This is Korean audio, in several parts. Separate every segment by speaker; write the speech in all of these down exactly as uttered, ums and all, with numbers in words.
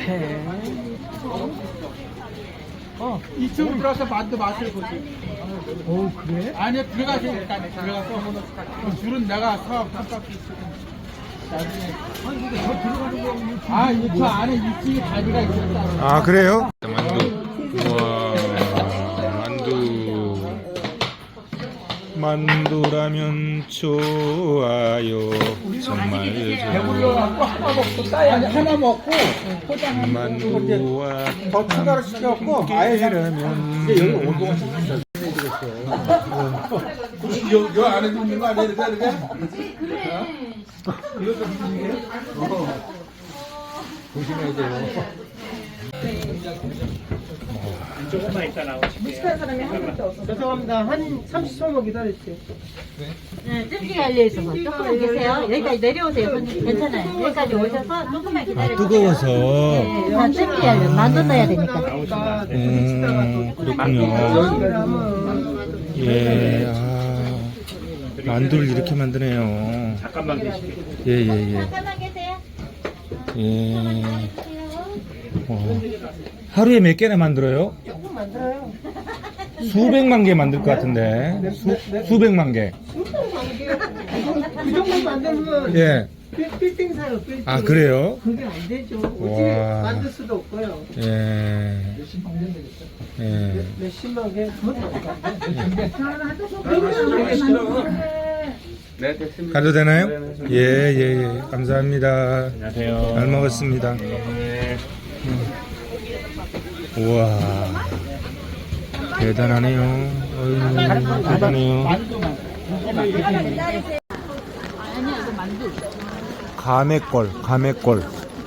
Speaker 1: 해. 어,
Speaker 2: 이쪽으로 들어가서 만두 맛을 보지.
Speaker 1: 어 그래?
Speaker 2: 아니 들어가서 일단 들어가서 그 줄은 내가 사업 한 바퀴 있으면 나중에.
Speaker 1: 아니 근데 저 들어가는 거
Speaker 2: 아, 이 저 안에 이쪽에 자리가 있었다.
Speaker 3: 아 그래요? 만두. 우와 만두. 만두라면 좋아요. 정말
Speaker 2: 배불러갖고 하나 먹고 싸야 하나 먹고 포장
Speaker 3: 만두와
Speaker 2: 더 추가로 시켜갖고 아예
Speaker 3: 함께라면
Speaker 2: 여기 온 동안 여, 여 안에 있는 거 아니야? 이렇게 이렇게? 그래. 이것도 무슨 일이야? 조심해야 돼요.
Speaker 1: 조금만 있다 나오실게요.
Speaker 4: 무식한 사람이 한 명도 없어.
Speaker 1: 죄송합니다. 한 삼십 초만 기다려주세요.
Speaker 5: 네, 찜기가 열려있어서 조금만 계세요. 여기까지 내려오세요. 손님. 괜찮아요. 여기까지 오셔서 조금만 기다려주세요.
Speaker 3: 뜨거워서
Speaker 5: 네, 다 찜기 열려. 만두 넣어야 되니까.
Speaker 1: 나오시다.
Speaker 3: 음, 그렇군요. 예, 아, 만두를 이렇게 만드네요.
Speaker 1: 잠깐만 계실게요.
Speaker 3: 예, 예, 예.
Speaker 5: 잠깐만 계세요.
Speaker 3: 예. 어, 하루에 몇 개나 만들어요?
Speaker 4: 조금 만들어요.
Speaker 3: 수백만 개 만들 것 같은데. 수, 수백만 개.
Speaker 4: 그 정도 만들면
Speaker 3: 예.
Speaker 4: 빌- 빌딩 사요. 빌딩.
Speaker 3: 아, 그래요?
Speaker 4: 그게 안 되죠.
Speaker 3: 와.
Speaker 4: 어떻게 만들 수도 없고요.
Speaker 3: 예. 예.
Speaker 4: 몇십만 개. 그것도 없고.
Speaker 3: 가도 되나요? 예, 예, 예. 감사합니다.
Speaker 1: 안녕하세요.
Speaker 3: 잘 먹었습니다.
Speaker 1: 네.
Speaker 3: 우와. 대단하네요. 어휴, 대단해요. 가맥골, 가맥골.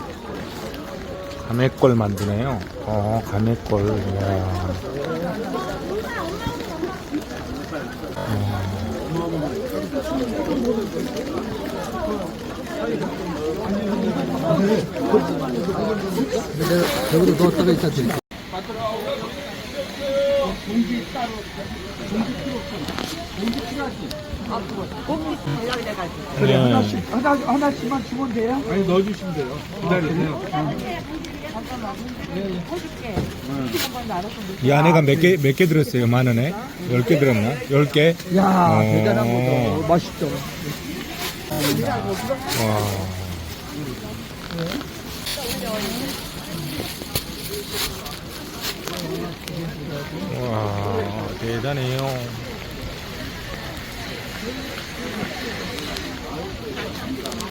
Speaker 3: 가맥골 만드네요. 어, 가맥골. 이야.
Speaker 1: 여기도 넣었다가 있다 드릴게요.
Speaker 2: 공기 따로 공기 필요 없어. 공기 필요하지.
Speaker 3: 네.
Speaker 2: 하나 하나씩만 주면 돼요? 아니 넣어주시면 돼요. 기다리세요.
Speaker 3: 이 안에가 몇 개, 몇 개 들었어요? 만 원에? 열 개 들었나? 열 개?
Speaker 1: 야
Speaker 3: 어.
Speaker 1: 대단한 거다. 맛있죠.
Speaker 3: 와. 와, 대단해요.